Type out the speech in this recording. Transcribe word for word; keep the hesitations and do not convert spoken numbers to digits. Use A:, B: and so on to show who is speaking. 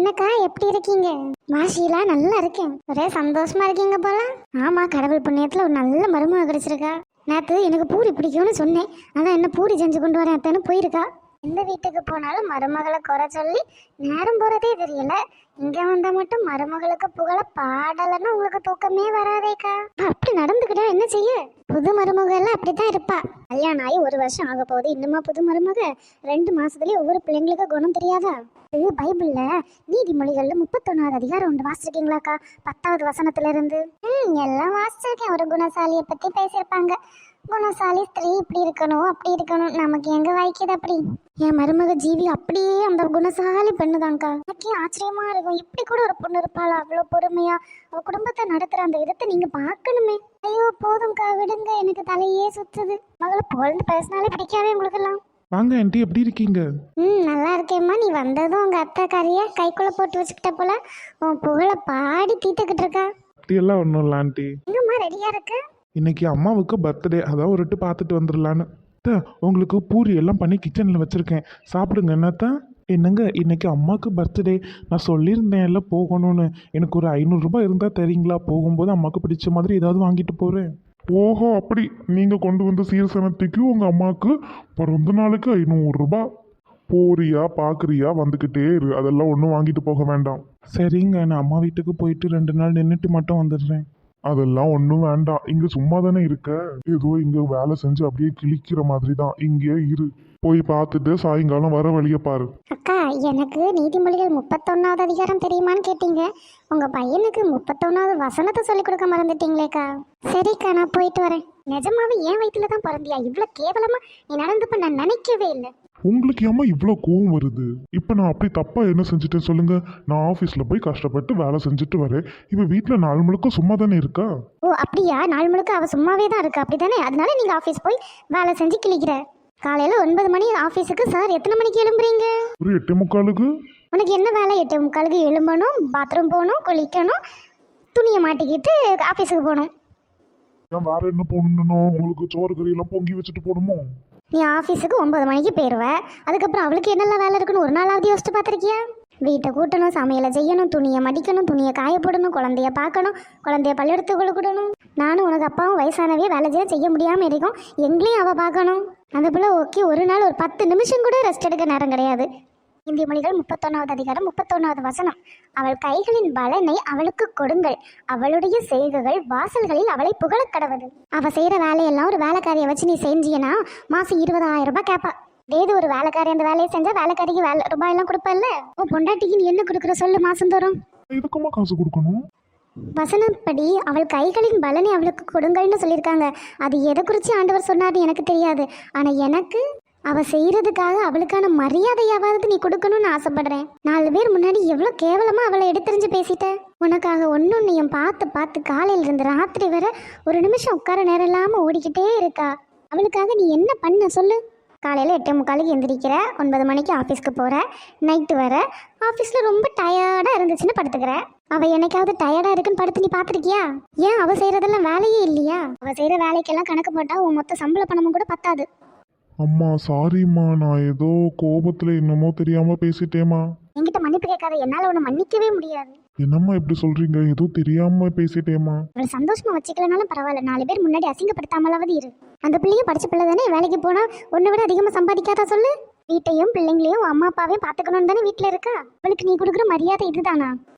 A: என்னக்கா எப்படி இருக்கீங்க? வாஷிலா நல்லா இருக்கேன். ஒரே சந்தோஷமா இருக்கீங்க போல. ஆமா, கடவுள் புண்ணியத்துல ஒரு நல்ல மருமக கிடைச்சிருக்கா. நேத்து எனக்கு பூரி பிடிக்கும்னு சொன்னேன், அதான் என்ன பூரி செஞ்சு கொண்டு வரேன் அத்தனை போயிருக்கா. எந்த வீட்டுக்கு போனாலும் மருமகளை குறை சொல்லி நேரம் போறதே தெரியல. இங்க வந்தா மட்டும் மருமகளுக்கு புகழ பாடலன்னா உங்களுக்கு தூக்கமே வராதேக்கா. அப்படி நடந்துக்கிட்டா என்ன செய்ய? புது மருமக எல்லாம் அப்படித்தான் இருப்பா. கல்யாணம் ஆகி ஒரு வருஷம் ஆக போகுது, இன்னுமா புது மருமக? ரெண்டு மாசத்துலயே ஒவ்வொரு பிள்ளைங்களுக்கு குணம் தெரியாதா? இது பைபிள்ல நீதிமொழிகள்ல முப்பத்தொன்னாவது அதிகாரம் உண்டு, வாசிச்சிருக்கீங்களாக்கா? பத்தாவது வசனத்துல இருந்து. ம் எல்லாம் வாசிச்சிருக்கேன். ஒரு குணசாலியை பத்தி பேசியிருப்பாங்க. குணசாலி ஸ்திரீ இப்படி இருக்கணும் அப்படி இருக்கணும், நமக்கு எங்க வாய்க்குது அப்படி. என் மருமக ஜீவி அப்படியே அந்த குணசாலி பெண்ணுதான்க்கா. எனக்கே ஆச்சரியமா இருக்கும், இப்படி கூட ஒரு பொண்ணு இருப்பாளா? அவ்வளவு பொறுமையா அவ குடும்பத்தை நடத்துற அந்த விதத்தை நீங்க பாக்கணுமே. ஐயோ போதும்க்கா, விடுங்க, எனக்கு தலையே சுத்துது. மகளை புகழ்ந்து பேசினாலே பிடிக்காவே உங்களுக்கு எல்லாம்.
B: வாங்க ஆண்டி, எப்படி இருக்கீங்க?
A: ம் நல்லா இருக்கேம்மா. நீ வந்ததும் உங்க அத்தை கறிய கைக்குள்ள போட்டு வச்சுக்கிட்ட போல உன் புகழ பாடி தீத்துக்கிட்டு இருக்கா.
B: அப்படியெல்லாம் ஒன்றும் இல்லை ஆண்டி.
A: எங்கம்மா ரெடியா இருக்கு?
B: இன்னைக்கு அம்மாவுக்கு பர்த்டே, அதான் ஒரு எட்டு பார்த்துட்டு வந்துடலான்னு. அத்தை, உங்களுக்கு பூரி எல்லாம் பண்ணி கிச்சனில் வச்சுருக்கேன், சாப்பிடுங்க. என்னத்தான்? என்னங்க, இன்னைக்கு அம்மாவுக்கு பர்த்டே, நான் சொல்லியிருந்தேன் எல்லாம் போகணும்னு. எனக்கு ஒரு ஐநூறுரூபா இருந்தால் தரீங்களா? போகும்போது அம்மாவுக்கு பிடிச்ச மாதிரி ஏதாவது வாங்கிட்டு போகிறேன். ஓஹோ, அப்படி நீங்கள் கொண்டு வந்த சீர்சனத்துக்கு உங்கள் அம்மாவுக்கு பிறந்த நாளுக்கு ஐநூறுரூபா போறியா பார்க்குறியா? வந்துக்கிட்டே இரு, அதெல்லாம் ஒன்றும் வாங்கிட்டு போக வேண்டாம். சரிங்க, நான் அம்மா வீட்டுக்கு போயிட்டு ரெண்டு நாள் நின்றுட்டு மட்டும் வந்துடுறேன். அதெல்லாம் ஒன்றும் வேண்டாம், இங்கே சும்மா தானே இருக்க, ஏதோ இங்கே வேலை செஞ்சு அப்படியே கிழிக்கிற மாதிரி தான். இங்கே இரு, போய் பார்த்துட்டு சாயங்காலம் வர வழியை பாரு.
A: அக்கா, எனக்கு நீதிமொழிகள் முப்பத்தொன்னாவது அதிகாரம் தெரியுமான்னு கேட்டீங்க. உங்க பையனுக்கு முப்பத்தொன்னாவது வசனத்தை சொல்லி கொடுக்க மறந்துட்டீங்களேக்கா. சரிக்கா, நான் போயிட்டு வரேன். நிஜமாவே என் வயிற்றுல தான் பிறந்தியா? இவ்வளோ கேவலமா நீ நடந்துப்ப நான் நினைக்கவே இல்லை.
B: உங்களுக்கு ஏமா இவ்வளோ கோவம் வருது? இப்போ நான் அப்படி தப்பா என்ன செஞ்சுட்டேன் சொல்லுங்க? நான் ஆஃபீஸில் போய் கஷ்டப்பட்டு வேலை செஞ்சுட்டு வரேன், இப்போ வீட்டில் நாலு முழுக்க சும்மா தானே இருக்கா?
A: ஓ அப்படியா? நாலு முழுக்க அவ சும்மாவே தான் இருக்கா, அப்படித்தானே? அதனால நீங்க ஆஃபீஸ் போய் வேலை செஞ்சு கிழிக்கிற. காலையில ஒன்பது மணி ஆஃபீஸுக்கு சார் எத்தனை மணிக்கு எழும்புறீங்க?
B: ஒரு எட்டு முக்காலுக்கு.
A: உனக்கு என்ன வேலை? எட்டு முக்காலுக்கு எழும்பணும், பாத்ரூம் போகணும், குளிக்கணும், துணியை மாட்டிக்கிட்டு ஆஃபீஸுக்கு போகணும்.
B: ஏன் வேற என்ன போடணும்? உங்களுக்கு சோறு கறியெல்லாம் பொங்கி வச்சுட்டு போகணுமோ?
A: நீ ஆஃபீஸுக்கு ஒன்பது மணிக்கு போயிடுவ, அதுக்கப்புறம் அவளுக்கு என்னெல்லாம் வேலை இருக்குன்னு ஒரு நாளாவது யோசிச்சு பார்த்துருக்கியா? வீட்டை கூட்டணும், சமையலை செய்யணும், துணியை மடிக்கணும், துணியை காய போடணும், குழந்தைய பார்க்கணும், குழந்தைய பள்ளியெடுத்து கொடுக்கணும். நானும் உனக்கு அப்பாவும் வயசானவே வேலை செய்ய செய்ய முடியாமல் இருக்கும், எங்களையும் அவள் பார்க்கணும். அந்த பிள்ளை ஓகே, ஒரு நாள் ஒரு பத்து நிமிஷம் கூட ரெஸ்ட் எடுக்க நேரம் கிடையாது. இந்திய மொழிகள் முப்பத்தொன்னாவது அதிகாரம் முப்பத்தொன்னாவது வசனம். அவள் கைகளின் பலனை அவளுக்கு கொடுங்கள், அவளுடைய செய்கைகள் வாசல்களில் அவளை புகழ கடவுது. அவள் செய்கிற வேலையெல்லாம் ஒரு வேலைக்காரியை வச்சு நீ செஞ்சியனா மாதம் இருபதாயிரம் ரூபாய் கேட்பா. ஏது ஒரு வேலைக்காரி அந்த வேலையை செஞ்சா வேலைக்காரிக்கு வேலை ரூபாயெல்லாம் கொடுப்பல்ல. ஓ பொண்டாட்டிக்கு நீ என்ன கொடுக்குற சொல்லு மாசம் தோறும்?
B: இதுக்குமா காசு கொடுக்கணும்?
A: வசனப்படி அவள் கைகளின் பலனை அவளுக்கு கொடுங்கள்னு சொல்லியிருக்காங்க. அது எதை குறித்து ஆண்டவர் சொன்னார்னு எனக்கு தெரியாது, ஆனால் எனக்கு அவள் செய்கிறதுக்காக அவளுக்கான மரியாதையாவது நீ கொடுக்கணும்னு ஆசைப்படுறேன். நாலு பேர் முன்னாடி எவ்வளோ கேவலமாக அவளை எடுத்துரிஞ்சு பேசிட்ட. உனக்காக ஒன்னொன்னையும் பார்த்து பார்த்து காலையில இருந்து ராத்திரி வரை ஒரு நிமிஷம் உட்கார நேரம் இல்லாமல் ஓடிக்கிட்டே இருக்கா. அவளுக்காக நீ என்ன பண்ண சொல்லு? காலையில் எட்டே முக்காலுக்கு எந்திரிக்கிற, ஒன்பது மணிக்கு ஆஃபீஸ்க்கு போகிற, நைட்டு வர, ஆஃபீஸில் ரொம்ப டயர்டாக இருந்துச்சுன்னு படுத்துக்கிற. அவள் என்னைக்காவது டயர்டாக இருக்குன்னு படுத்து நீ பார்த்துருக்கியா? ஏன் அவள் செய்கிறதெல்லாம் வேலையே இல்லையா? அவள் செய்கிற வேலைக்கெல்லாம் கணக்கு போட்டால் உன் மொத்த சம்பள பணமும் கூட பத்தாது.
B: அம்மா சாரிம்மா, நான் ஏதோ கோபத்தில் என்னமோ தெரியாமல் பேசிட்டேம்மா.
A: என்கிட்ட மன்னிப்பு கேட்காத, என்னால் உன்னை மன்னிக்கவே முடியாது.
B: என்னம்மா இப்படி சொல்கிறீங்க? ஏதோ தெரியாமல் பேசிட்டேம்மா.
A: அவளை சந்தோஷமா வச்சுக்கலனாலும் பரவாயில்ல, நாலு பேர் முன்னாடி அசிங்கப்படுத்தாமலாவது இரு. அந்த பிள்ளையும் படிச்ச பிள்ளை தானே, வேலைக்கு போனால் ஒன்றை விட அதிகமாக சம்பாதிக்காதா சொல்லு? வீட்டையும் பிள்ளைங்களையும் அம்மா அப்பாவையும் பார்த்துக்கணும்னு தானே வீட்டில் இருக்கா. அவளுக்கு நீ கொடுக்குற மரியாதை இதுதானா?